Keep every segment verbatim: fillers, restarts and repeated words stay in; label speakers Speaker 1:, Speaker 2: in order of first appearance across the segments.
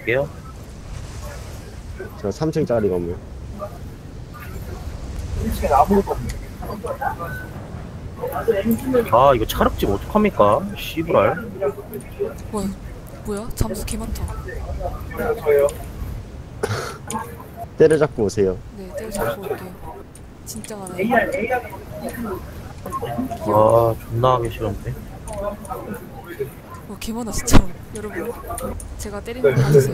Speaker 1: 갈게요.
Speaker 2: 저 삼 층짜리 건물.
Speaker 1: 아 이거 차륵집 어떡합니까? 씨부랄.
Speaker 3: 뭐야? 뭐야? 잠수 개 많다.
Speaker 2: 때려잡고 오세요.
Speaker 3: 네, 때려잡고 올게요. 진짜 많아요.
Speaker 1: 아 존나 하기 싫은데.
Speaker 3: 어, 개 많아 진짜. 여러분, 제가 때리는 거 봐주세요.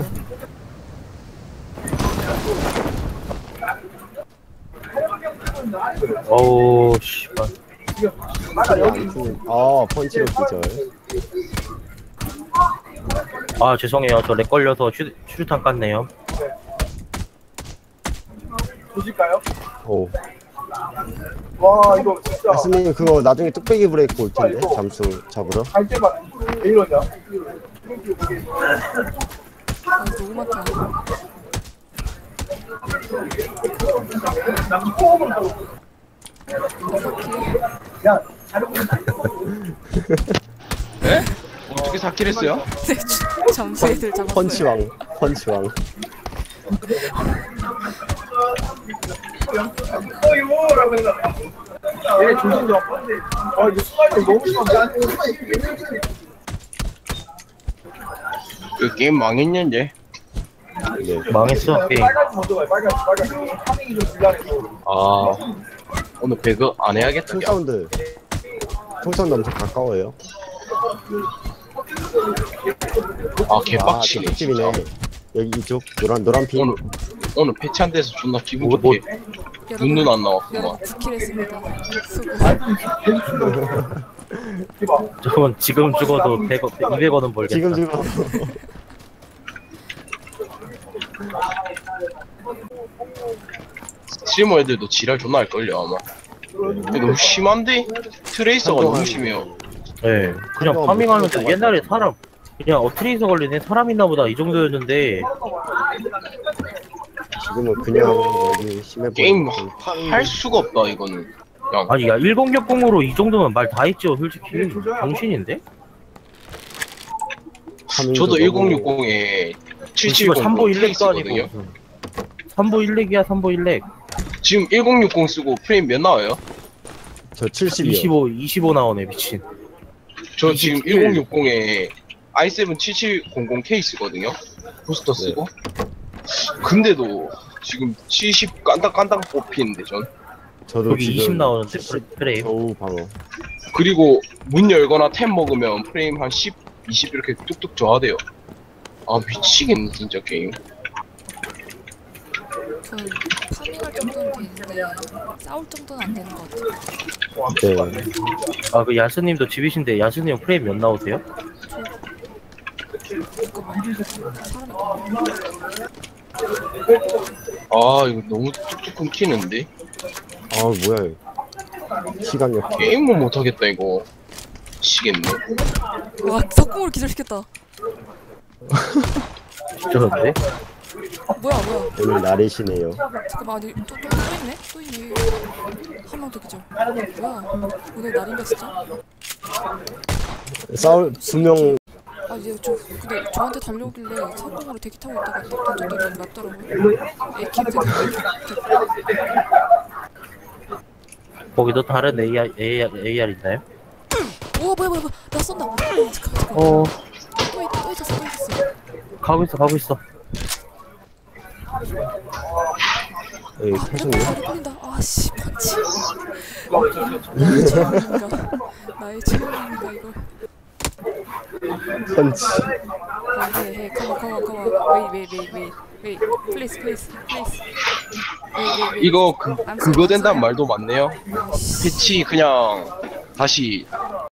Speaker 1: 어우 씨발.
Speaker 2: 아, 펀치로 기절.
Speaker 1: 아 죄송해요. 저 렉 걸려서 슈, 슈루탄 깠네요.
Speaker 4: 보실까요?
Speaker 2: 오.
Speaker 4: 와 이거 진짜
Speaker 2: 야스님 그거 나중에 뚝배기 브레이크 올 텐데 잠수 잡으러.
Speaker 4: 갈 때만 왜 이러냐?
Speaker 3: 아, 너무 많다.
Speaker 4: 야
Speaker 5: 에? 어떻게 사 킬 했어요?
Speaker 3: 네, 주- 잠수 애들 잡았어요.
Speaker 2: 펀치왕, 펀치왕.
Speaker 4: 어이구라고 해서 얘 조심 좀. 아 이거 수학이 너무 심한데?
Speaker 5: 그 게임 망했는데.
Speaker 2: 네.
Speaker 1: 망했어 게임.
Speaker 4: 빨간 먼저 가요. 빨간 빨간. 파밍이 좀 불량해서.
Speaker 5: 아 오늘 배그 안 해야겠다.
Speaker 2: 총 사운드. 총 사운드 엄청 가까워요.
Speaker 5: 아
Speaker 2: 아,
Speaker 5: 개빡치네
Speaker 2: 뚝집이네.
Speaker 5: 진짜.
Speaker 2: 여기 이쪽 노란 노란 핀.
Speaker 5: 오늘 오늘 패치한 데서 존나 기분
Speaker 1: 뭐, 뭐,
Speaker 5: 좋게 눈눈 안 나왔구만.
Speaker 3: 여러분, 구 킬 했습니다. 수고.
Speaker 1: 저건 지금 죽어도 백 원, 이백 원은 벌겠다.
Speaker 2: 지금 지금.
Speaker 5: 스트리머 애들도 지랄 존나 할걸요 아마. 근데 너무 심한데? 트레이서가 너무 심해요.
Speaker 1: 네, 그냥 파밍하면서 옛날에 사람 그냥 어 트레이서 걸리네 사람 있나보다 이 정도였는데
Speaker 2: 지금은 그냥 여기 심해
Speaker 5: 게임
Speaker 2: 보이고.
Speaker 5: 할 수가 없다 이거는. 그냥
Speaker 1: 아니 야 천육십으로 이 정도면 말 다 했죠 솔직히. 정신인데?
Speaker 5: 저도 천육십에 칠칠공
Speaker 1: 삼보 일렉도
Speaker 5: 케이스거든요.
Speaker 1: 아니고 무슨 삼보 일렉이야 삼보 일렉.
Speaker 5: 지금 천육십 쓰고 프레임 몇 나와요?
Speaker 2: 저 칠십이요.
Speaker 1: 이십오 이십오 나오네 미친.
Speaker 5: 저 지금
Speaker 1: 이십칠.
Speaker 5: 천육십에 아이 세븐 칠칠공공 케이스거든요. 부스터 쓰고. 근데도 지금 칠십 깐당깐당 뽑히는데 전.
Speaker 2: 저도
Speaker 1: 여기
Speaker 2: 지금
Speaker 1: 이십 나오는데
Speaker 2: 칠십
Speaker 1: 프레임.
Speaker 2: 겨우 방어.
Speaker 5: 그리고 문 열거나 템 먹으면 프레임 한 십, 이십 이렇게 뚝뚝 저하돼요. 아 미치겠네 진짜 게임.
Speaker 3: 저는 파밍할 정도는 되는데 싸울 정도는 안 되는 것 같아요.
Speaker 2: 네.
Speaker 1: 아 그 야스님도 집이신데 야스님 프레임 몇 나오세요?
Speaker 3: 잠깐만. 사람이
Speaker 5: 아 이거 너무 뚝뚝 끊기는데.
Speaker 2: 아 뭐야? 시간 역.
Speaker 5: 게임을 못하겠다 이거. 미치겠네.
Speaker 3: 와, 석궁으로 기절시켰다.
Speaker 1: 저런데?
Speaker 3: 뭐야, 뭐야.
Speaker 2: 오늘 날이시네요.
Speaker 3: 잠깐만, 아니, 또, 또, 또 있네? 또 있네. 한 명 더 기절. 뭐야. 오늘 날인가, 진짜?
Speaker 2: 싸울 두 명.
Speaker 3: 아, 이제 저, 근데 저한테 달려오길래 석궁으로 대기 타고 있다가 딱 던졌더니 맞더라고요. 에이키한테
Speaker 1: 거기도 다른 에이알, 에이알, 에이알 있나요?
Speaker 3: 우와, 뭐야, 뭐야, 뭐야. 나 쏜다. 잠깐만, 잠깐만.
Speaker 1: 어
Speaker 3: 또, 있, 또 있었어, 또 있었어.
Speaker 1: 가고 있어 가고 있어.
Speaker 2: 여기
Speaker 3: 아,
Speaker 2: 태송이.
Speaker 3: 몇 걸린다. 아, 씨, 펀치. 나의 체험인가. 나의 체험인가, 이걸.
Speaker 2: 펀치.
Speaker 3: Hey, hey, come on, come on, come on. Wait, wait, wait, wait, wait. Please, please, please. Wait, wait, wait.
Speaker 5: 이거 그,
Speaker 3: I'm
Speaker 5: 그거
Speaker 3: sorry,
Speaker 5: 된다는
Speaker 3: I'm
Speaker 5: 말도 많네요.
Speaker 3: sorry. 아, 씨.
Speaker 5: 패치 그냥 다시